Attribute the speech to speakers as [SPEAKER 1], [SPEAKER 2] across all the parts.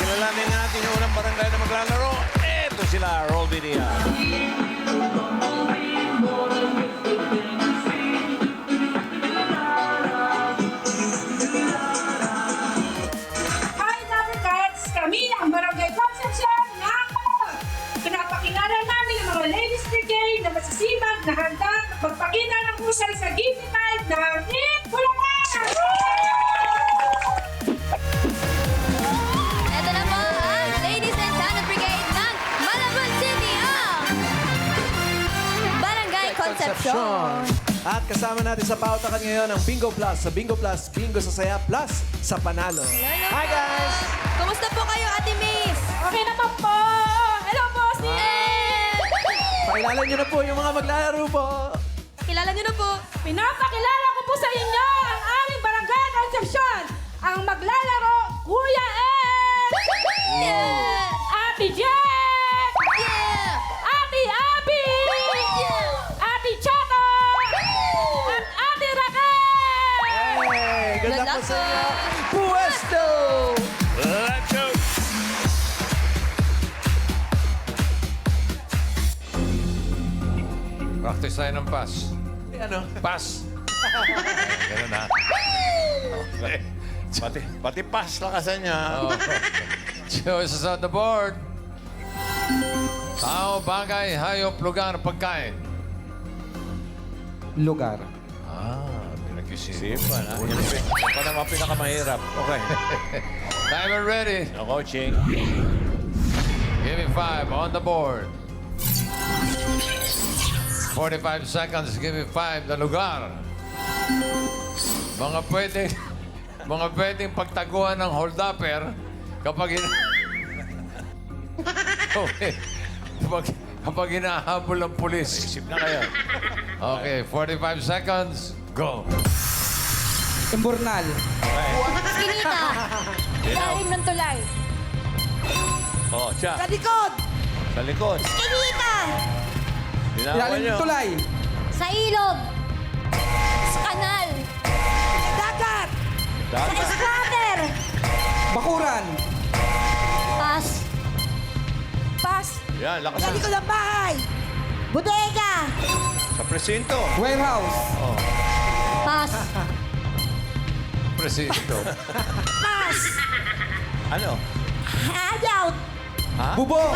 [SPEAKER 1] Kilalanin natin yung unang barangay na maglalaro. Ito sila, roll video.
[SPEAKER 2] Hi, Lumbercats! Kami ang Barangay Concepcion ng pinapakilala namin ang mga ladies brigade na masisibag na handa magpakita ng husay sa Gift Night ng Eat Bulacan!
[SPEAKER 3] Ito na po ang Ladies and Talent Brigade ng Malabon City, ang Barangay Concepcion.
[SPEAKER 4] At kasama natin sa pautakan ngayon ang Bingo Plus. Sa Bingo Plus, Bingo sa Saya Plus sa Panalo. Hi guys!
[SPEAKER 3] Kumusta po kayo, Ate Miss?
[SPEAKER 2] Okay naman po! Hello po, Steve!
[SPEAKER 4] Pakilala niyo na po yung mga maglalaro po.
[SPEAKER 3] Kilala niyo na po.
[SPEAKER 2] Pinapakilala ko po sa inyo ang aming Barangay Concepcion! Ang maglalaro, Kuya Ed!
[SPEAKER 3] Yeah!
[SPEAKER 2] Ate Jen!
[SPEAKER 3] Yeah!
[SPEAKER 2] Ate Abby!
[SPEAKER 3] Yeah!
[SPEAKER 2] Ate Chato! At Ate Raquel!
[SPEAKER 4] Hey! Good luck po sa inyo. Puesto!
[SPEAKER 1] Let's go! Practice tayo ng pass.
[SPEAKER 4] Ano?
[SPEAKER 1] Pass. Ganun na. Okay. Pati pass lakasan niya.
[SPEAKER 5] Oh. Choices on the board. Tao, bagay, hayop, lugar, pagkain.
[SPEAKER 4] Lugar.
[SPEAKER 1] Pinag-isipan, ha? Yan pa naman pinakamahirap. Okay.
[SPEAKER 5] Timer ready.
[SPEAKER 1] No coaching.
[SPEAKER 5] Give me 5 on the board. 45 seconds. Give me 5 na lugar. Mga pwedeng pagtaguan ng hold-upper kapag okay. Kapag hinahabol ng pulis.
[SPEAKER 1] Isip na kayo.
[SPEAKER 5] Okay, 45 seconds. Go.
[SPEAKER 4] Imburnal.
[SPEAKER 3] Kinita. Ilalim ng tulay.
[SPEAKER 1] Oh, siya.
[SPEAKER 3] Sa likod.
[SPEAKER 1] Sa likod.
[SPEAKER 3] Kinita.
[SPEAKER 1] Dinawa niyo.
[SPEAKER 3] Sa ilog. Sa kanal. Dagat. Sa
[SPEAKER 1] Dagat.
[SPEAKER 3] splatter.
[SPEAKER 4] Bakuran.
[SPEAKER 3] Pass. Pass.
[SPEAKER 1] Yan, lakasan.
[SPEAKER 3] ng bahay. Bodega.
[SPEAKER 1] Sa presinto.
[SPEAKER 4] Warehouse.
[SPEAKER 3] Pass.
[SPEAKER 5] Presinto.
[SPEAKER 3] Pass.
[SPEAKER 1] Ano?
[SPEAKER 3] Handout.
[SPEAKER 4] Bubong.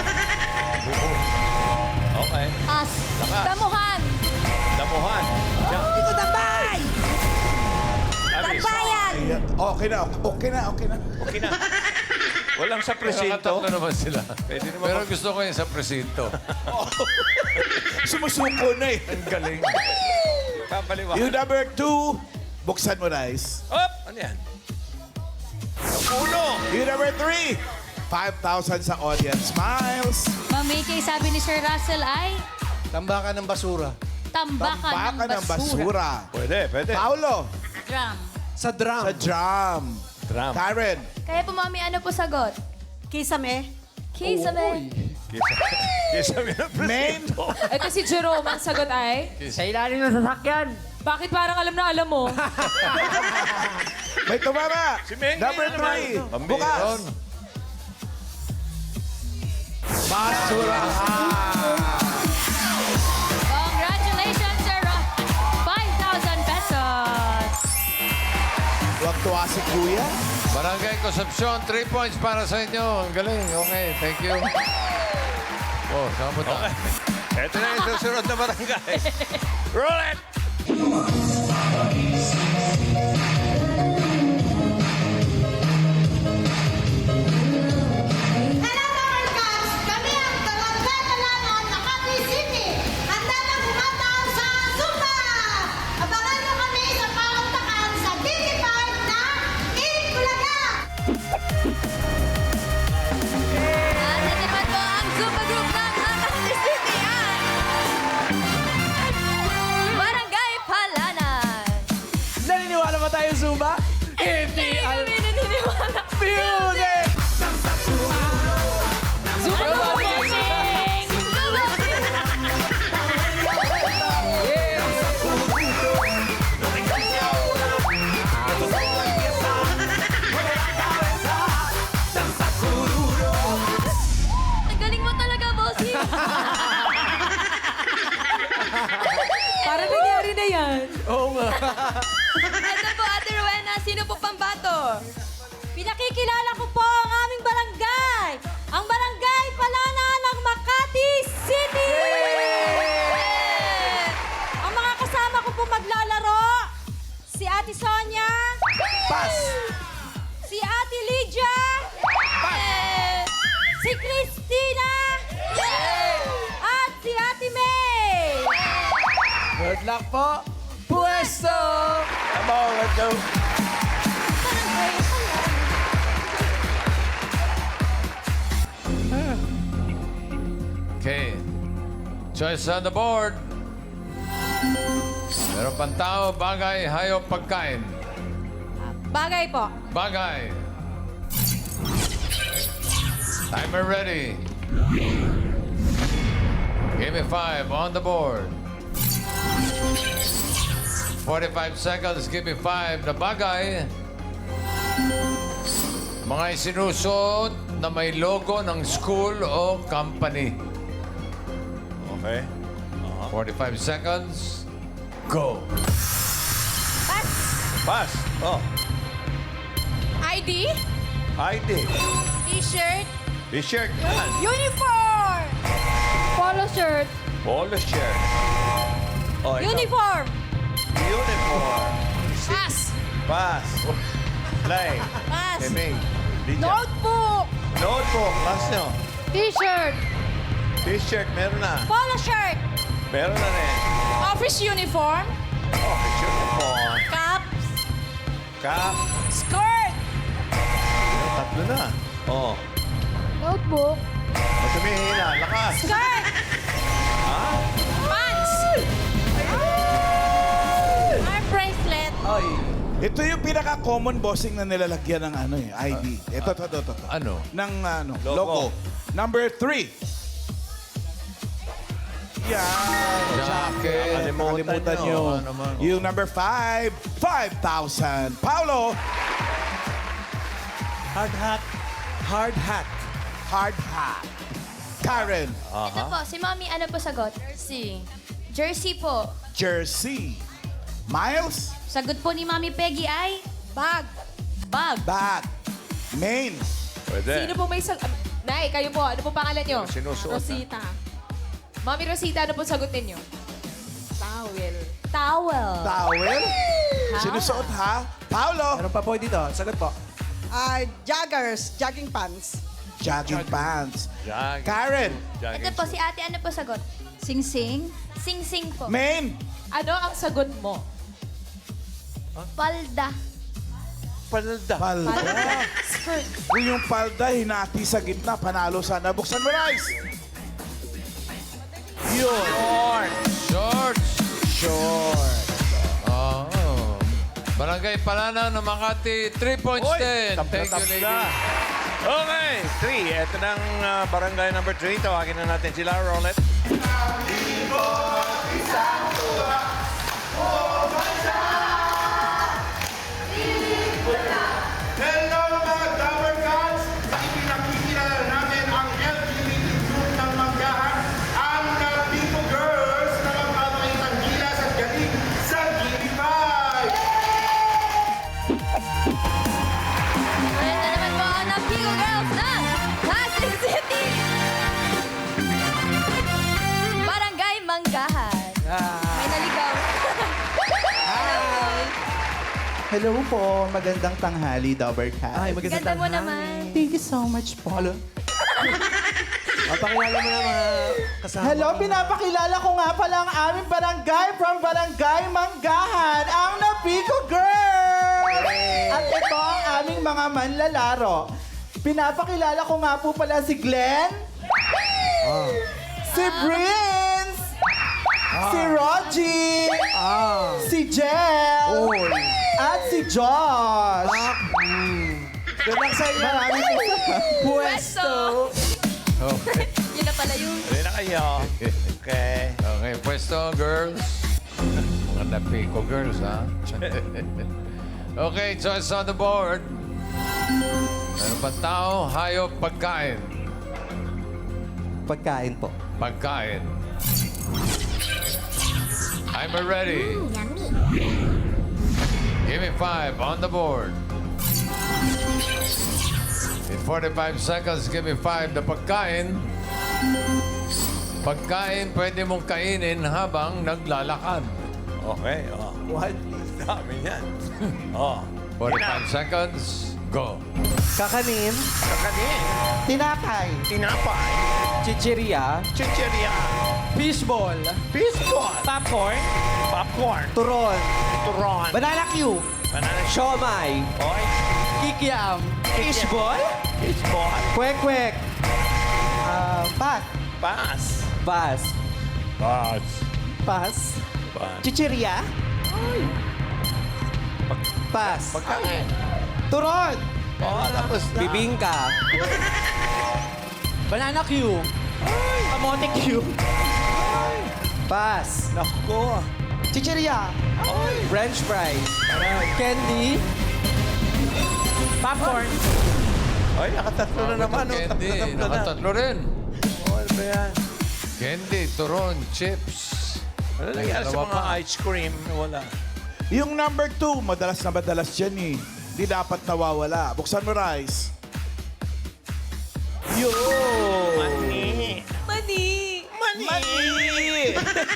[SPEAKER 1] Okay.
[SPEAKER 3] Pass.
[SPEAKER 1] Lakas.
[SPEAKER 3] Damuhan.
[SPEAKER 1] Damuhan. Siya.
[SPEAKER 3] Likod ng bahay.
[SPEAKER 1] Abis.
[SPEAKER 3] Bayan.
[SPEAKER 6] Okay na.
[SPEAKER 1] Okay na. Walang sa presinto.
[SPEAKER 5] Nakatatlo naman sila.
[SPEAKER 1] Pwede naman
[SPEAKER 5] Pero gusto ko yung sa presinto.
[SPEAKER 6] Sumusuko na eh.
[SPEAKER 1] Ang galing. Kapaliwa.
[SPEAKER 6] Yung number 2, buksan mo, Rice.
[SPEAKER 1] Up! Ano yan? Ang ulo!
[SPEAKER 6] Yung number 3, 5,000 sa audience smiles.
[SPEAKER 3] Ma'am Mickey, sabi ni Sir Russell ay
[SPEAKER 4] Tambakan ng basura.
[SPEAKER 3] tambakan
[SPEAKER 6] Tambakan
[SPEAKER 3] ng basura.
[SPEAKER 1] Pwede.
[SPEAKER 6] Paulo,
[SPEAKER 3] Drum.
[SPEAKER 4] Sa drum.
[SPEAKER 6] sa drum.
[SPEAKER 1] Drum.
[SPEAKER 6] Karen,
[SPEAKER 3] Kaya po, Mami, ano po sagot?
[SPEAKER 7] Kisame.
[SPEAKER 3] Kisame.
[SPEAKER 1] Kesa mo ng
[SPEAKER 6] main,
[SPEAKER 1] presinto.
[SPEAKER 2] Ito si Jerome, ang sagot ay...
[SPEAKER 7] Sa ilalim ng sasakyan.
[SPEAKER 2] Bakit parang alam na alam mo?
[SPEAKER 6] may tumama.
[SPEAKER 1] Si Meng.
[SPEAKER 6] Number 3, bukas. Basurahan.
[SPEAKER 3] Congratulations, Sir Ross. 5,000 pesos.
[SPEAKER 6] Huwag tuwa si Kuya.
[SPEAKER 5] Barangay Concepcion, 3 points para sa inyo. Ang galing. Okay, thank you. Oh, saan mo tayo?
[SPEAKER 1] Ito na yung susunod na barangay. Roll it!
[SPEAKER 8] Hello, Lumbercats! Kami ang Barangay Talangan ng Makati City. Handa na kumataon sa Zumba! Abangan nyo kami sa pauntakan sa DT5 na Eat Bulaga!
[SPEAKER 3] At ito naman po ang Zumba Group ng Makati City, ang Barangay Palanan.
[SPEAKER 4] Oo nga.
[SPEAKER 3] Ito po, Ate Rowena. Sino po pambato?
[SPEAKER 7] Pinakikilala ko po ang aming barangay. Ang barangay Palana ng Makati City. Ang mga kasama ko po maglalaro, si Ate Sonia.
[SPEAKER 4] Pass.
[SPEAKER 7] Si Ate Lydia. Si Christina. At si Ate May.
[SPEAKER 4] Good luck po. Pwesto!
[SPEAKER 1] Come on, let's go.
[SPEAKER 5] Okay. Choice on the board. Meron pang tao, bagay, hayop, pagkain.
[SPEAKER 7] Bagay po.
[SPEAKER 5] Bagay. Timer ready. Give me 5 on the board. 45 seconds, give me 5 na bagay. Mga isinusuot na may logo ng school o company.
[SPEAKER 1] Okay.
[SPEAKER 5] 45 seconds. Go.
[SPEAKER 1] Pass. Oh,
[SPEAKER 3] ID?
[SPEAKER 1] ID.
[SPEAKER 3] T-shirt?
[SPEAKER 1] T-shirt. Yan.
[SPEAKER 3] Uniform! Polo shirt?
[SPEAKER 1] Polo shirt. Oh, ikaw.
[SPEAKER 7] Uniform.
[SPEAKER 1] Uniform.
[SPEAKER 3] Pass!
[SPEAKER 1] Pass. Play.
[SPEAKER 3] Pass!
[SPEAKER 1] Eming. Lydia.
[SPEAKER 3] Notebook!
[SPEAKER 1] Notebook. Pass nyo.
[SPEAKER 3] T-shirt?
[SPEAKER 1] T-shirt. Meron na.
[SPEAKER 7] Polo shirt.
[SPEAKER 1] Meron na rin.
[SPEAKER 3] Office uniform?
[SPEAKER 1] Oh, uniform.
[SPEAKER 3] Caps?
[SPEAKER 1] Cap.
[SPEAKER 3] Skirt?
[SPEAKER 1] Tatlo na. Oh.
[SPEAKER 3] Notebook?
[SPEAKER 1] Ba't tumihina? Lakas.
[SPEAKER 3] Skirt!
[SPEAKER 1] Ha?
[SPEAKER 3] Pants! Arm bracelet?
[SPEAKER 4] Ay.
[SPEAKER 6] Ito yung pinaka-common bossing na nilalagyan ng ano eh, ID. Ito.
[SPEAKER 5] Ano?
[SPEAKER 6] Ng ano,
[SPEAKER 1] Logo.
[SPEAKER 6] logo. Number 3. Yan.
[SPEAKER 5] Jacket.
[SPEAKER 6] Nakalimutan nyo.
[SPEAKER 5] Ano naman?
[SPEAKER 6] Yung number 5, 5,000. Paolo,
[SPEAKER 4] Hard hat. Hard hat.
[SPEAKER 6] hard hat. Karen,
[SPEAKER 3] Ito po, si Mami, ano po sagot? Jersey. Jersey po.
[SPEAKER 6] jersey. Miles,
[SPEAKER 3] Sagot po ni Mami Peggy ay? Bag. Bag.
[SPEAKER 6] bag. Main,
[SPEAKER 1] Pwede.
[SPEAKER 9] Sino po may Nay, kayo po. Ano po pangalan nyo?
[SPEAKER 1] Sinusuot na.
[SPEAKER 9] Rosita. Mami Rosita, ano po sagot ninyo? Towel.
[SPEAKER 7] Towel.
[SPEAKER 6] towel. Sinusuot ha? Paolo,
[SPEAKER 4] Meron pa po dito. Sagot po.
[SPEAKER 10] Joggers, jogging pants.
[SPEAKER 6] jogging pants.
[SPEAKER 1] Jogging.
[SPEAKER 6] Karen,
[SPEAKER 3] Ito po, si ate, ano po sagot? Sing-sing. Sing-sing po.
[SPEAKER 6] main,
[SPEAKER 9] Ano ang sagot mo?
[SPEAKER 3] Palda.
[SPEAKER 1] Palda.
[SPEAKER 6] palda.
[SPEAKER 9] Skirt.
[SPEAKER 6] Kung yung palda, hinati sa gitna, panalo sana. Buksan mo, Rice. Yun.
[SPEAKER 5] Shorts.
[SPEAKER 6] Short.
[SPEAKER 5] Oh. Barangay Palana ng Makati, 3 points din. Thank you, lady.
[SPEAKER 1] Okay, 3. Ito ng barangay number 3. Tawagin na natin sila. Roulette.
[SPEAKER 6] Hello mga Dabber Gods! Ipinakikilala namin ang LGBT group ng Manggahan, ang Napico Girls na magpapakitang gilas at galing sa GB5!
[SPEAKER 3] Ito naman po ang Napico Girls ng Pasig City. Barangay Manggahan. May naligaw.
[SPEAKER 11] Hello po, magandang tanghali, Dabber Cat.
[SPEAKER 4] Ay, magandang
[SPEAKER 3] Ganda mo
[SPEAKER 4] tanghali.
[SPEAKER 3] naman.
[SPEAKER 11] Thank you so much po.
[SPEAKER 4] Pakilala mo na mga kasama.
[SPEAKER 11] Hello, pinapakilala ko nga pala ang aming barangay from Barangay Manggahan, ang Napico Girls! At ito ang aming mga manlalaro. Pinapakilala ko nga po pala si Glenn, si Prince, si Rogie, si Jel, at si Josh.
[SPEAKER 4] Good luck sa inyo.
[SPEAKER 11] Maraming
[SPEAKER 3] Pwesto.
[SPEAKER 5] Okay.
[SPEAKER 3] Yun na pala yung...
[SPEAKER 1] Ready na kayo. Okay.
[SPEAKER 5] Okay, pwesto, girls. Mga Napico girls, ha? Okay, choice on the board. Meron pa tao, hayop, pagkain.
[SPEAKER 11] Pagkain po.
[SPEAKER 5] Pagkain. I'm ready. Give me 5 on the board. In 45 seconds, give me 5 na pagkain. Pagkain, pwede mong kainin habang naglalakad.
[SPEAKER 1] Okay,
[SPEAKER 4] What?
[SPEAKER 1] Dami yan. Oh.
[SPEAKER 5] 45 seconds, go.
[SPEAKER 4] Kakanin.
[SPEAKER 1] Kakanin.
[SPEAKER 11] Tinapay.
[SPEAKER 1] Tinapay.
[SPEAKER 4] Chicheria.
[SPEAKER 1] Chicheria.
[SPEAKER 4] Fishball.
[SPEAKER 1] Fishball.
[SPEAKER 4] Popcorn.
[SPEAKER 1] Popcorn.
[SPEAKER 4] Turon.
[SPEAKER 1] Turon.
[SPEAKER 4] Banana Q.
[SPEAKER 1] Banana
[SPEAKER 4] Siomay.
[SPEAKER 1] Oy.
[SPEAKER 4] Kikiam. Fishball.
[SPEAKER 1] Fishball.
[SPEAKER 11] Kwek-kwek. Pat.
[SPEAKER 1] Pass.
[SPEAKER 4] Bas.
[SPEAKER 1] Pass.
[SPEAKER 11] Pas.
[SPEAKER 1] Pass.
[SPEAKER 11] Chicheria.
[SPEAKER 4] Pas.
[SPEAKER 1] Pagkain.
[SPEAKER 11] Turon.
[SPEAKER 1] Oh, tapos na.
[SPEAKER 4] Bibingka. Banana Q. Kamote Q. Pas.
[SPEAKER 1] Naku.
[SPEAKER 11] Chicheria.
[SPEAKER 4] French fries. Candy. Popcorn.
[SPEAKER 1] Ay, nakatatlo na naman. Oh.
[SPEAKER 5] Candy,
[SPEAKER 1] Tatlo na.
[SPEAKER 5] nakatatlo rin.
[SPEAKER 1] Oh, ano ba yan?
[SPEAKER 5] Candy, turon, chips.
[SPEAKER 1] Ano nangyari sa
[SPEAKER 5] Dalawa
[SPEAKER 1] mga
[SPEAKER 5] pa.
[SPEAKER 1] ice cream? Wala.
[SPEAKER 6] Yung number 2, madalas na madalas yan eh. Di dapat nawawala. Buksan mo, Rice. Yo!
[SPEAKER 1] Mani.
[SPEAKER 7] Mani.
[SPEAKER 1] Mani.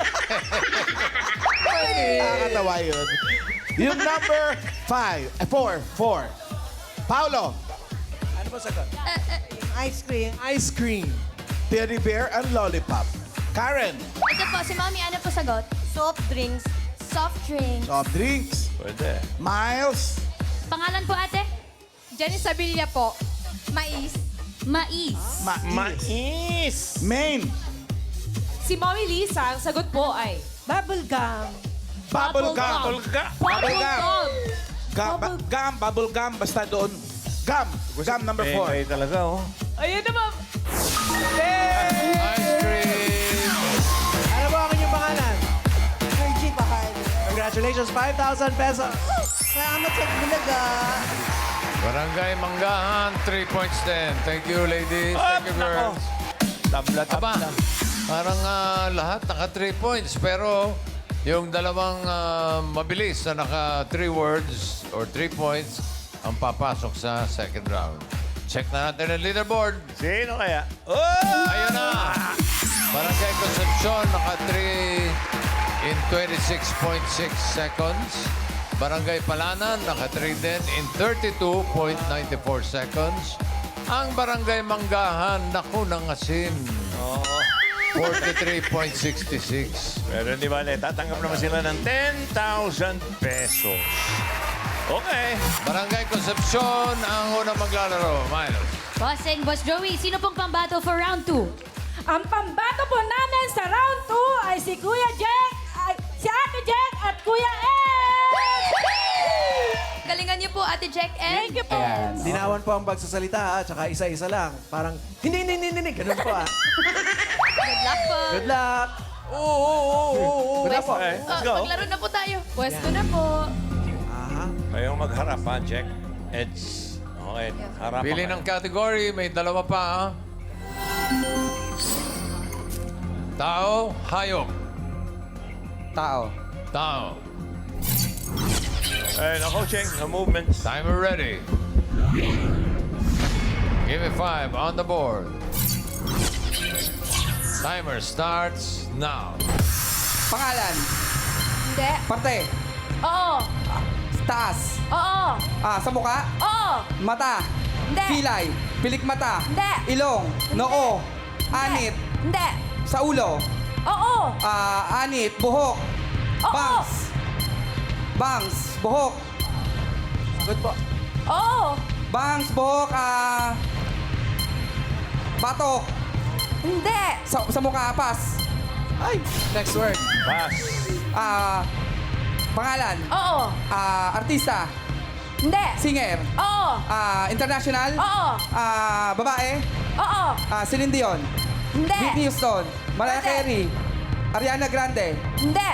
[SPEAKER 6] Nakakatawa yun. Yung number 4. Paolo,
[SPEAKER 4] Ano ba sagot?
[SPEAKER 10] Ice cream.
[SPEAKER 4] Ice cream.
[SPEAKER 6] teddy bear and lollipop. Karen,
[SPEAKER 3] Ito po, si Mommy, ano po sagot?
[SPEAKER 7] Soft drinks.
[SPEAKER 3] Soft drink.
[SPEAKER 6] soft drinks.
[SPEAKER 1] Pwede.
[SPEAKER 6] Miles,
[SPEAKER 3] Pangalan po, ate?
[SPEAKER 9] Jenny Sabilla po.
[SPEAKER 3] Mais. Mais.
[SPEAKER 1] Mais.
[SPEAKER 6] Maine,
[SPEAKER 9] Si Mommy Lisa, ang sagot po ay...
[SPEAKER 10] Bubble gum.
[SPEAKER 6] bubble gum.
[SPEAKER 1] Tulga.
[SPEAKER 6] Bubble gum.
[SPEAKER 9] Gum.
[SPEAKER 6] Gum, bubble gum, basta doon. Gum, gum number 4.
[SPEAKER 1] Kayo talaga, oh.
[SPEAKER 9] Ayun naman.
[SPEAKER 5] Ice cream.
[SPEAKER 4] Ano ba ang inyong pangalan?
[SPEAKER 10] Virgin Bahal.
[SPEAKER 4] Congratulations, 5,000 pesos.
[SPEAKER 10] Salamat sa bulaga.
[SPEAKER 5] Barangay Manggahan, 3 points din. Thank you, ladies. Thank you,
[SPEAKER 1] nako.
[SPEAKER 5] girls.
[SPEAKER 1] Tabla,
[SPEAKER 5] Aba,
[SPEAKER 1] tabla.
[SPEAKER 5] parang lahat naka 3 points. Pero yung dalawang mabilis na naka 3 words or 3 points ang papasok sa second round. Check na natin ang leaderboard.
[SPEAKER 1] Sino kaya? Oh!
[SPEAKER 5] Ayun na! Barangay Concepcion, naka 3 in 26.6 seconds. Barangay Palanan, naka 3 din in 32.94 seconds. Ang Barangay Manggahan, naku, nangasin.
[SPEAKER 1] Oo.
[SPEAKER 5] 43.66.
[SPEAKER 1] Pero di ba, tatanggap naman sila ng 10,000 pesos. Okay.
[SPEAKER 5] Barangay Concepcion, ang unang maglalaro. Miles.
[SPEAKER 3] Bossing, Boss Joey, sino pong pambato for round 2?
[SPEAKER 2] Ang pambato po namin sa round 2 ay si Kuya Jack, si Ate Jack at Kuya Ed!
[SPEAKER 3] Galingan niyo po, Ate Jack and...
[SPEAKER 2] Thank you po.
[SPEAKER 4] Dinawan po ang pagsasalita, tsaka isa-isa lang. Parang, hindi. Ganun po,
[SPEAKER 3] Good luck po.
[SPEAKER 4] Good luck. Good luck po.
[SPEAKER 1] Okay, let's go.
[SPEAKER 3] Maglaro na po tayo. Pwesto na po.
[SPEAKER 4] Aha.
[SPEAKER 1] Kayong magharap, ha, Jack? Eds. Okay, harap
[SPEAKER 5] Pili ng category, may dalawa pa. Ha? Tao, hayop.
[SPEAKER 11] Tao.
[SPEAKER 5] Tao.
[SPEAKER 1] Hey, no coaching, no movements.
[SPEAKER 5] Timer ready. Give me 5 on the board. Timer starts now.
[SPEAKER 11] Pangalan.
[SPEAKER 3] Hindi.
[SPEAKER 11] Parte.
[SPEAKER 3] Oo.
[SPEAKER 11] Taas.
[SPEAKER 3] Oo.
[SPEAKER 11] Sa mukha.
[SPEAKER 3] Oo.
[SPEAKER 11] Mata.
[SPEAKER 3] Hindi.
[SPEAKER 11] Pilay. Pilik mata.
[SPEAKER 3] Hindi.
[SPEAKER 11] Ilong. Noo. Anit.
[SPEAKER 3] Hindi.
[SPEAKER 11] Sa ulo.
[SPEAKER 3] Oo.
[SPEAKER 11] Anit. Buhok.
[SPEAKER 3] Oo.
[SPEAKER 11] Bangs. Bangs. Buhok.
[SPEAKER 4] Good po.
[SPEAKER 3] Oo.
[SPEAKER 11] Bangs. Buhok. Batok.
[SPEAKER 3] Hindi.
[SPEAKER 11] Sa mukha. Pas.
[SPEAKER 4] Ay, next word.
[SPEAKER 1] Pass.
[SPEAKER 11] Pangalan.
[SPEAKER 3] Oo.
[SPEAKER 11] Artista.
[SPEAKER 3] Hindi.
[SPEAKER 11] Singer.
[SPEAKER 3] Oo.
[SPEAKER 11] International.
[SPEAKER 3] Oo.
[SPEAKER 11] Babae.
[SPEAKER 3] Oo.
[SPEAKER 11] Celine Dion.
[SPEAKER 3] Hindi.
[SPEAKER 11] Whitney Houston. Mariah
[SPEAKER 3] Hindi.
[SPEAKER 11] Carey. Ariana Grande.
[SPEAKER 3] Hindi.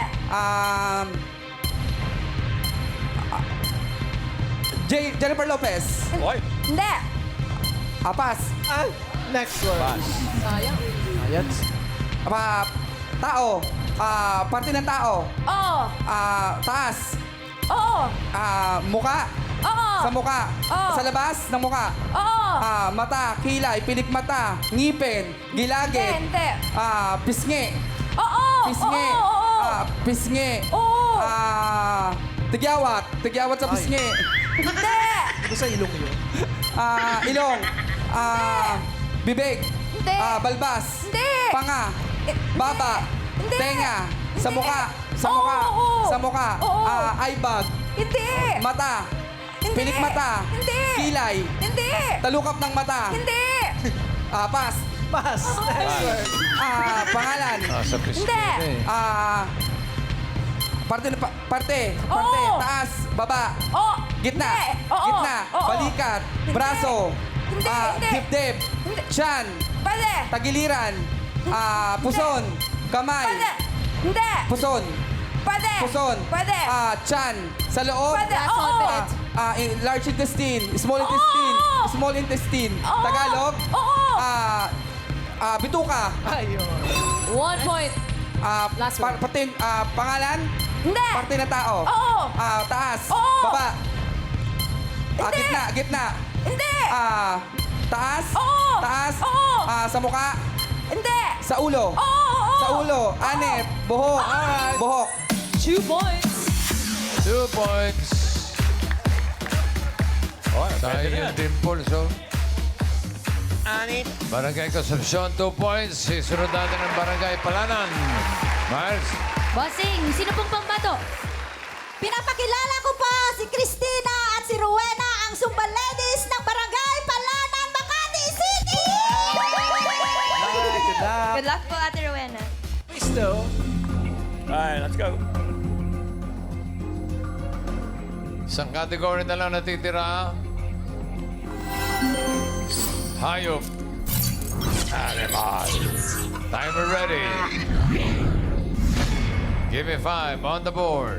[SPEAKER 11] Jennifer Lopez.
[SPEAKER 1] Oy.
[SPEAKER 3] Hindi.
[SPEAKER 11] Pass.
[SPEAKER 4] Next word.
[SPEAKER 1] Pass.
[SPEAKER 9] Sayang.
[SPEAKER 4] Ayan.
[SPEAKER 11] Tao. Parte ng tao.
[SPEAKER 7] Oo.
[SPEAKER 11] Taas.
[SPEAKER 7] Oo.
[SPEAKER 11] Muka.
[SPEAKER 7] Oo.
[SPEAKER 11] Sa muka.
[SPEAKER 7] Oo.
[SPEAKER 11] Sa labas ng muka.
[SPEAKER 7] Oo.
[SPEAKER 11] Mata, kilay, pilik mata, ngipin, gilagid.
[SPEAKER 7] Hindi.
[SPEAKER 11] Pisngi.
[SPEAKER 7] Oo.
[SPEAKER 11] Pisngi.
[SPEAKER 7] Oo.
[SPEAKER 11] Pisngi.
[SPEAKER 7] Oo.
[SPEAKER 11] Tigyawat. Tigyawat sa pisngi.
[SPEAKER 7] Hindi.
[SPEAKER 4] Ito sa ilong yun.
[SPEAKER 11] Ilong. Bibig.
[SPEAKER 7] Hindi.
[SPEAKER 11] Balbas.
[SPEAKER 7] Hindi.
[SPEAKER 11] Panga. Baba.
[SPEAKER 7] Hindi.
[SPEAKER 11] Tenga. Sa
[SPEAKER 7] Hindi.
[SPEAKER 11] muka. Sa
[SPEAKER 7] Oo,
[SPEAKER 11] muka.
[SPEAKER 7] oo.
[SPEAKER 11] Sa muka.
[SPEAKER 7] Oo.
[SPEAKER 11] Eyebag.
[SPEAKER 7] Hindi.
[SPEAKER 11] Mata.
[SPEAKER 7] Hindi.
[SPEAKER 11] Pilik mata.
[SPEAKER 7] Hindi.
[SPEAKER 11] Kilay.
[SPEAKER 7] Hindi.
[SPEAKER 11] Talukap ng mata.
[SPEAKER 7] Hindi.
[SPEAKER 11] Pas.
[SPEAKER 4] Pass. Next word.
[SPEAKER 11] Pangalan.
[SPEAKER 5] Sa pisngi
[SPEAKER 7] Hindi.
[SPEAKER 11] Parte.
[SPEAKER 7] Oo.
[SPEAKER 11] Taas. Baba.
[SPEAKER 7] Oo.
[SPEAKER 11] Gitna.
[SPEAKER 7] Hindi. Oo.
[SPEAKER 11] Gitna.
[SPEAKER 7] Oo.
[SPEAKER 11] Balikat.
[SPEAKER 7] Hindi.
[SPEAKER 11] Braso.
[SPEAKER 7] Hindi. Hindi.
[SPEAKER 11] Dibdib.
[SPEAKER 7] Hindi.
[SPEAKER 11] Tiyan.
[SPEAKER 7] Pwede.
[SPEAKER 11] Tagiliran. Puson. Kamay.
[SPEAKER 7] Pwede. Hindi.
[SPEAKER 11] Puson.
[SPEAKER 7] Pwede.
[SPEAKER 11] Puson.
[SPEAKER 7] Pwede.
[SPEAKER 11] Tiyan. Sa loob.
[SPEAKER 7] Pwede. Oo.
[SPEAKER 11] Large intestine. Small
[SPEAKER 7] Oo.
[SPEAKER 11] intestine. Small intestine.
[SPEAKER 7] Oo.
[SPEAKER 11] Tagalog.
[SPEAKER 7] Oo.
[SPEAKER 11] Bituka.
[SPEAKER 4] Ayun.
[SPEAKER 9] 1 point. Last word.
[SPEAKER 11] Pangalan.
[SPEAKER 7] Hindi.
[SPEAKER 11] Parte na tao.
[SPEAKER 7] Oo.
[SPEAKER 11] Taas.
[SPEAKER 7] Oo.
[SPEAKER 11] Baba.
[SPEAKER 7] Hindi.
[SPEAKER 11] Gitna.
[SPEAKER 7] Hindi.
[SPEAKER 11] Taas.
[SPEAKER 7] Oo.
[SPEAKER 11] Taas.
[SPEAKER 7] Oo.
[SPEAKER 11] Sa mukha.
[SPEAKER 7] Hindi.
[SPEAKER 11] Sa ulo.
[SPEAKER 7] Oo.
[SPEAKER 11] Sa ulo. Anep. Buhok. Buhok.
[SPEAKER 9] 2 points.
[SPEAKER 5] 2 points.
[SPEAKER 1] Oh,
[SPEAKER 5] Tayo
[SPEAKER 1] pwede na
[SPEAKER 5] yung
[SPEAKER 1] yan.
[SPEAKER 5] dimples, oh.
[SPEAKER 1] Anit.
[SPEAKER 5] Barangay Concepcion, 2 points. Sisunod natin ang Barangay Palanan. Miles.
[SPEAKER 3] Bossing, sino pong pambato?
[SPEAKER 8] Pinapakilala ko po si Christina at si Rowena, ang Zumba Ladies ng Barangay Palanan, Makati City!
[SPEAKER 4] Good luck.
[SPEAKER 3] Good luck po, Ate Rowena.
[SPEAKER 4] Please, though.
[SPEAKER 1] Alright, let's go.
[SPEAKER 5] Isang category na lang natitira. Hayop. Animal. Timer ready. Give me 5 on the board.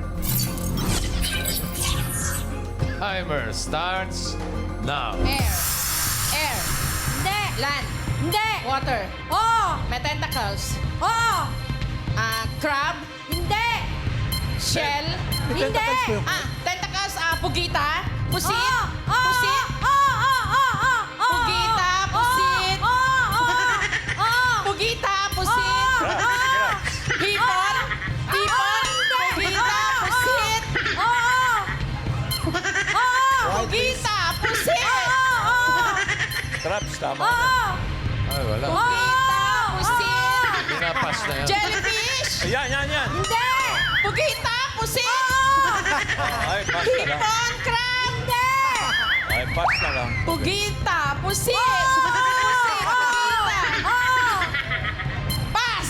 [SPEAKER 5] Timer starts now.
[SPEAKER 9] Air. Air.
[SPEAKER 7] Hindi.
[SPEAKER 9] Land.
[SPEAKER 7] Hindi.
[SPEAKER 9] Water.
[SPEAKER 7] Oo.
[SPEAKER 9] May tentacles.
[SPEAKER 7] Oo.
[SPEAKER 9] Crab.
[SPEAKER 7] Hindi.
[SPEAKER 9] Shell.
[SPEAKER 7] Hindi.
[SPEAKER 9] Tentacles. Pugita. Pusit.
[SPEAKER 7] Oo. Oo.
[SPEAKER 9] Pusit.
[SPEAKER 7] Oo. Oo. Oo. Oo.
[SPEAKER 9] Pugita. Pusit.
[SPEAKER 7] Oo. Oo. Oo.
[SPEAKER 9] Pugita. Pusit. Hipon. Hipon. Pugita. Pusit.
[SPEAKER 7] Oo. Oo.
[SPEAKER 9] Pugita. Pusit.
[SPEAKER 1] Traps, tama na.
[SPEAKER 7] Oo.
[SPEAKER 5] Ay, wala.
[SPEAKER 9] Pugita. Pusit.
[SPEAKER 5] Pinapas na yan.
[SPEAKER 9] Jellyfish.
[SPEAKER 1] Yan.
[SPEAKER 7] Hindi.
[SPEAKER 9] Pugita. Pusit.
[SPEAKER 1] Ay, pass na lang.
[SPEAKER 9] Hipon. Crab.
[SPEAKER 7] Hindi.
[SPEAKER 1] Ay, pass na lang.
[SPEAKER 9] Pugita. Pusit. Pusit. Pugita.
[SPEAKER 7] Oo.
[SPEAKER 9] Pass.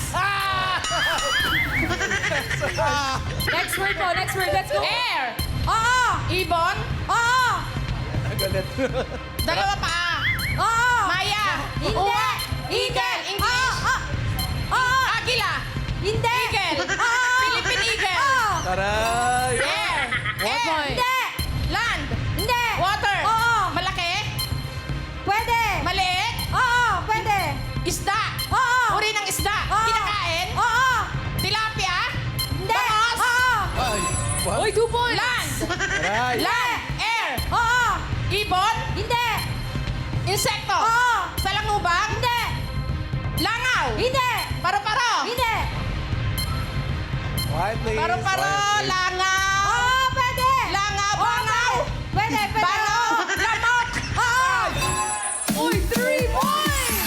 [SPEAKER 7] Next word po. Next word. Let's go.
[SPEAKER 9] Air.
[SPEAKER 7] Oo.
[SPEAKER 9] Ibon.
[SPEAKER 7] Oo.
[SPEAKER 4] Galit.
[SPEAKER 9] Dalawa pa.
[SPEAKER 7] Oo.
[SPEAKER 9] Maya.
[SPEAKER 7] Hindi.
[SPEAKER 9] Uwa. Eagle. English.
[SPEAKER 7] Oo.
[SPEAKER 9] Agila.
[SPEAKER 7] Hindi.
[SPEAKER 9] Eagle.
[SPEAKER 7] Oo.
[SPEAKER 9] Philippine eagle.
[SPEAKER 7] Oo.
[SPEAKER 4] Taray.
[SPEAKER 9] Air. Air.
[SPEAKER 7] Hindi.
[SPEAKER 9] Land.
[SPEAKER 7] Hindi.
[SPEAKER 9] Water.
[SPEAKER 7] Oo.
[SPEAKER 9] Malaki.
[SPEAKER 7] Pwede.
[SPEAKER 9] Maliit.
[SPEAKER 7] Oo. Pwede.
[SPEAKER 9] Isda.
[SPEAKER 7] Oo.
[SPEAKER 9] Uri ng isda.
[SPEAKER 7] Oo.
[SPEAKER 9] Kinakain.
[SPEAKER 7] Oo.
[SPEAKER 9] Tilapia.
[SPEAKER 7] Hindi.
[SPEAKER 9] Bangos.
[SPEAKER 7] Oo.
[SPEAKER 4] Ay. What?
[SPEAKER 9] Uy, 2 points. Land.
[SPEAKER 4] Taray.
[SPEAKER 9] Land. Air.
[SPEAKER 7] Oo.
[SPEAKER 9] Ibon.
[SPEAKER 7] Hindi.
[SPEAKER 9] Insekto.
[SPEAKER 7] Oo.
[SPEAKER 9] Salangubang.
[SPEAKER 7] Hindi.
[SPEAKER 9] Langaw.
[SPEAKER 7] Hindi.
[SPEAKER 9] Paro-paro.
[SPEAKER 7] Hindi.
[SPEAKER 4] Quiet, please.
[SPEAKER 9] Paro-paro.
[SPEAKER 5] please.
[SPEAKER 9] Langaw.
[SPEAKER 7] Oo. Pwede.
[SPEAKER 9] Langaw.
[SPEAKER 7] Oo,
[SPEAKER 9] Bangaw.
[SPEAKER 7] Pwede. Pwede.
[SPEAKER 9] Bano. Lamok.
[SPEAKER 7] Oo.
[SPEAKER 9] Uy, 3 points.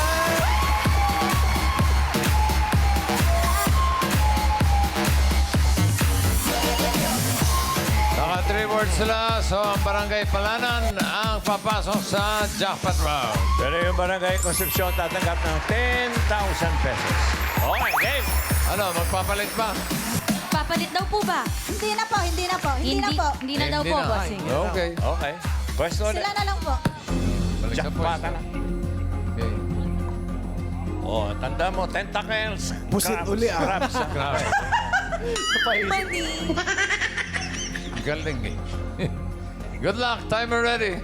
[SPEAKER 5] Naka 3 words sila. So, ang Barangay Palanan ang papasok sa jackpot round.
[SPEAKER 1] Pero yung Barangay Concepcion tatanggap ng 10,000 pesos. Okay, game.
[SPEAKER 5] Ano, magpapalit ba?
[SPEAKER 3] Papalit daw po ba?
[SPEAKER 8] Hindi na po, hindi na po, hindi na po.
[SPEAKER 3] Hindi na daw
[SPEAKER 5] Hindi
[SPEAKER 3] po,
[SPEAKER 5] na.
[SPEAKER 3] bossing.
[SPEAKER 5] Okay.
[SPEAKER 1] Okay. Pwesto ulit.
[SPEAKER 8] Sila na lang po.
[SPEAKER 5] Balik sa
[SPEAKER 1] Jackpot
[SPEAKER 5] pwesto.
[SPEAKER 1] na.
[SPEAKER 5] Okay.
[SPEAKER 1] Oh, tanda mo, tentacles.
[SPEAKER 4] Pusit
[SPEAKER 1] crabs,
[SPEAKER 4] uli, ah.
[SPEAKER 1] Crabs.
[SPEAKER 5] Grabe.
[SPEAKER 10] Mali.
[SPEAKER 5] Galing eh. Good luck. Timer ready.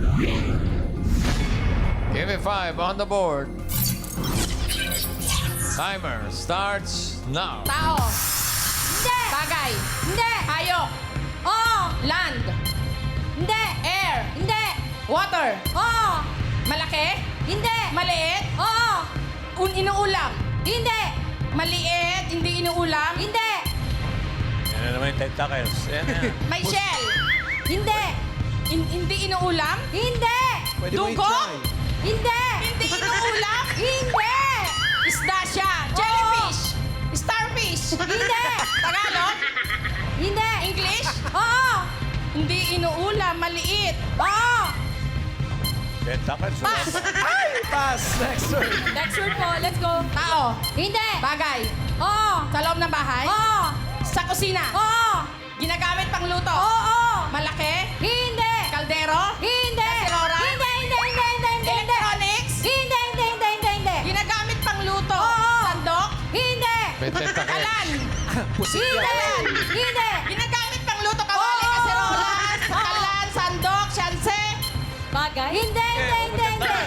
[SPEAKER 5] Give me 5 on the board. Timer starts now.
[SPEAKER 9] Tao.
[SPEAKER 7] Hindi.
[SPEAKER 9] Bagay.
[SPEAKER 7] Hindi.
[SPEAKER 9] Hayop.
[SPEAKER 7] Oo.
[SPEAKER 9] Land.
[SPEAKER 7] Hindi.
[SPEAKER 9] Air.
[SPEAKER 7] Hindi.
[SPEAKER 9] Water.
[SPEAKER 7] Oo.
[SPEAKER 9] Malaki.
[SPEAKER 7] Hindi.
[SPEAKER 9] Maliit.
[SPEAKER 7] Oo.
[SPEAKER 9] Inuulam.
[SPEAKER 7] Hindi.
[SPEAKER 9] Maliit. Hindi inuulam.
[SPEAKER 7] Hindi.
[SPEAKER 1] Yan na naman yung tentacles. Yan na.
[SPEAKER 9] May shell.
[SPEAKER 7] Hindi.
[SPEAKER 9] Hindi inuulam.
[SPEAKER 7] Hindi.
[SPEAKER 4] Pwede mo
[SPEAKER 9] Dugo?
[SPEAKER 4] i-try.
[SPEAKER 7] Hindi.
[SPEAKER 9] Hindi inuulam.
[SPEAKER 7] Hindi.
[SPEAKER 9] Isda siya. Jellyfish. Starfish.
[SPEAKER 7] Hindi.
[SPEAKER 9] Tagalog.
[SPEAKER 7] Hindi.
[SPEAKER 9] English.
[SPEAKER 7] Oo.
[SPEAKER 9] Hindi inuulam. Maliit.
[SPEAKER 7] Oo.
[SPEAKER 1] Tentacles.
[SPEAKER 9] Pass.
[SPEAKER 4] Pass. Next word.
[SPEAKER 9] Next word po. Let's go. Tao.
[SPEAKER 7] Hindi.
[SPEAKER 9] Bagay.
[SPEAKER 7] Oo.
[SPEAKER 9] Sa loob ng bahay.
[SPEAKER 7] Oo.
[SPEAKER 9] Sa kusina.
[SPEAKER 7] Oo.
[SPEAKER 9] Ginagamit pang luto.
[SPEAKER 7] Oo.
[SPEAKER 9] Malaki.
[SPEAKER 7] Hindi.
[SPEAKER 9] Kaldero.
[SPEAKER 7] Hindi.
[SPEAKER 9] Kasilora.
[SPEAKER 7] Hindi. Hindi. Hindi. Hindi. Hindi.
[SPEAKER 9] Electronics.
[SPEAKER 7] Hindi. Hindi. Hindi. Hindi. Hindi.
[SPEAKER 9] Ginagamit pang luto.
[SPEAKER 7] Oo.
[SPEAKER 9] Sandok.
[SPEAKER 7] Hindi.
[SPEAKER 5] May tentacles.
[SPEAKER 9] Kalan.
[SPEAKER 4] Pusit
[SPEAKER 7] Hindi.
[SPEAKER 4] yan.
[SPEAKER 7] Hindi.
[SPEAKER 9] Ginagamit pang luto. Kawali.
[SPEAKER 7] Oo.
[SPEAKER 9] Kaserolas.
[SPEAKER 7] Oo.
[SPEAKER 9] Kalan. Sandok. Syanse.
[SPEAKER 7] Bagay? Hindi. Hindi. Hindi. Hindi.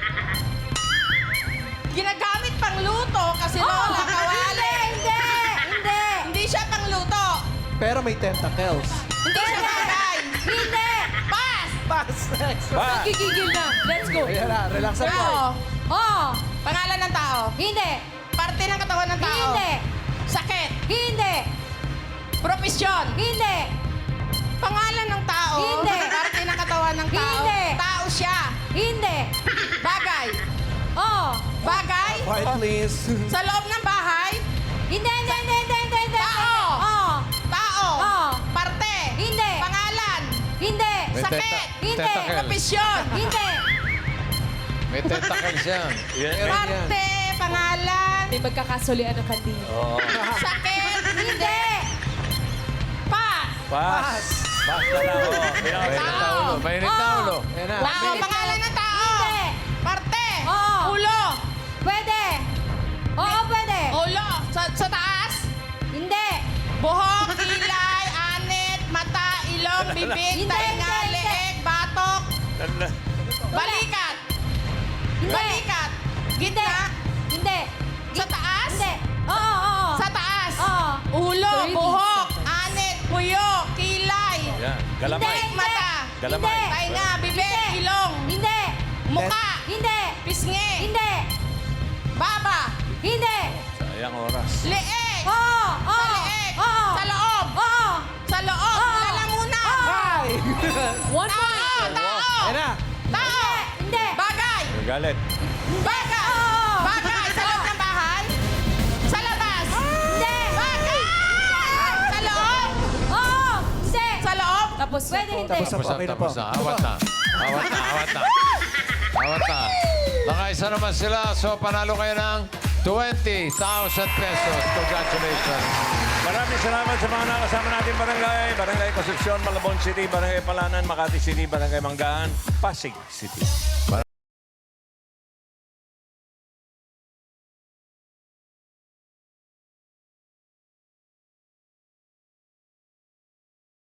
[SPEAKER 9] Ginagamit pang luto. Kaserola. Kawali.
[SPEAKER 7] Hindi. Hindi.
[SPEAKER 9] Hindi siya pang luto.
[SPEAKER 4] Pero may tentacles.
[SPEAKER 9] Hindi siya bagay.
[SPEAKER 7] Hindi.
[SPEAKER 9] Pass.
[SPEAKER 4] Pass. Next word.
[SPEAKER 1] Pass.
[SPEAKER 9] Gigigil na. Let's go.
[SPEAKER 4] Ayan na, relax ang
[SPEAKER 9] Tao.
[SPEAKER 4] word.
[SPEAKER 7] Oo.
[SPEAKER 9] Pangalan ng tao.
[SPEAKER 7] Hindi.
[SPEAKER 9] Parte ng katawan ng tao.
[SPEAKER 7] Hindi.
[SPEAKER 9] Sakit.
[SPEAKER 7] Hindi.
[SPEAKER 9] Profesyon.
[SPEAKER 7] Hindi.
[SPEAKER 9] Pangalan ng tao.
[SPEAKER 7] Hindi.
[SPEAKER 9] Parte ng katawan ng tao.
[SPEAKER 7] Hindi.
[SPEAKER 9] Tao siya.
[SPEAKER 7] Hindi.
[SPEAKER 9] Bagay.
[SPEAKER 7] Oo.
[SPEAKER 9] Bagay.
[SPEAKER 4] Quiet, please.
[SPEAKER 9] Sa loob ng bahay.
[SPEAKER 7] Hindi. Hindi. Hindi. Hindi. Hindi. Hindi.
[SPEAKER 9] Tao.
[SPEAKER 7] Oo.
[SPEAKER 9] Tao.
[SPEAKER 7] Oo.
[SPEAKER 9] Parte.
[SPEAKER 7] Hindi.
[SPEAKER 9] Pangalan.
[SPEAKER 7] Hindi.
[SPEAKER 5] May
[SPEAKER 9] Sakit.
[SPEAKER 7] Hindi.
[SPEAKER 5] tentacles.
[SPEAKER 9] Profesyon.
[SPEAKER 7] Hindi.
[SPEAKER 5] May tentacles yan.
[SPEAKER 1] Yan.
[SPEAKER 9] Parte. Pangalan.
[SPEAKER 3] May magkakasulian ng kandila.
[SPEAKER 1] Oo.
[SPEAKER 9] Sakit.
[SPEAKER 7] Hindi.
[SPEAKER 9] Pass.
[SPEAKER 1] Pass. Pass na lang. Oo.
[SPEAKER 5] Mainit na
[SPEAKER 9] Tao.
[SPEAKER 5] ulo. Mainit na
[SPEAKER 7] Oo.
[SPEAKER 5] ulo.
[SPEAKER 4] Ayan na.
[SPEAKER 9] Tao. Pangalan ng tao.
[SPEAKER 7] Hindi.
[SPEAKER 9] Parte.
[SPEAKER 7] Oo.
[SPEAKER 9] Ulo.
[SPEAKER 7] Pwede. Oo, pwede.
[SPEAKER 9] Ulo. Sa taas.
[SPEAKER 7] Hindi.
[SPEAKER 9] Buhok, kilay, anit, mata, ilong, bibig,
[SPEAKER 7] Hindi,
[SPEAKER 9] tainga,
[SPEAKER 7] hindi, hindi.
[SPEAKER 9] leeg, batok, balikat.
[SPEAKER 7] Hindi.
[SPEAKER 9] Balikat. Gitna.
[SPEAKER 7] Hindi.
[SPEAKER 9] Sa taas.
[SPEAKER 7] Hindi. Oo, oo.
[SPEAKER 9] Sa taas.
[SPEAKER 7] Oo.
[SPEAKER 9] Ulo, buhok, anit, puyo, kilay,
[SPEAKER 1] Yan. Galamay.
[SPEAKER 9] leeg, mata,
[SPEAKER 1] Galamay.
[SPEAKER 9] tainga, bibig, ilong,
[SPEAKER 7] Hindi.
[SPEAKER 9] muka,
[SPEAKER 7] Hindi.
[SPEAKER 9] pisngi,
[SPEAKER 7] Hindi.
[SPEAKER 9] baba,
[SPEAKER 7] Hindi.
[SPEAKER 1] Sayang oras.
[SPEAKER 9] leeg,
[SPEAKER 7] Oo. Oo.
[SPEAKER 9] sa leeg,
[SPEAKER 7] Oo.
[SPEAKER 9] sa loob,
[SPEAKER 7] Oo.
[SPEAKER 9] sa loob,
[SPEAKER 7] Oo.
[SPEAKER 9] lalamunan.
[SPEAKER 4] Hi!
[SPEAKER 3] One
[SPEAKER 9] Tao,
[SPEAKER 3] point.
[SPEAKER 9] tao,
[SPEAKER 4] Ayan na.
[SPEAKER 9] tao,
[SPEAKER 7] Hindi.
[SPEAKER 9] bagay,
[SPEAKER 1] Galit.
[SPEAKER 9] bagay,
[SPEAKER 7] Oo.
[SPEAKER 9] bagay, sa loob ng bahay, sa labas,
[SPEAKER 7] Hindi.
[SPEAKER 9] bagay, sa loob,
[SPEAKER 7] Oo. Hindi.
[SPEAKER 9] sa loob,
[SPEAKER 3] Tapos
[SPEAKER 7] Pwede hindi.
[SPEAKER 4] Tapos na po. Okay na po.
[SPEAKER 5] Tapos na. Awat na. Awat na. Awat na. Awat na. Nakaisa naman sila. So, panalo kayo ng 20,000 pesos. Congratulations.
[SPEAKER 1] Maraming salamat sa mga nakasama natin barangay. Barangay Concepcion, Malabon City, Barangay Palanan, Makati City, Barangay Manggahan, Pasig City.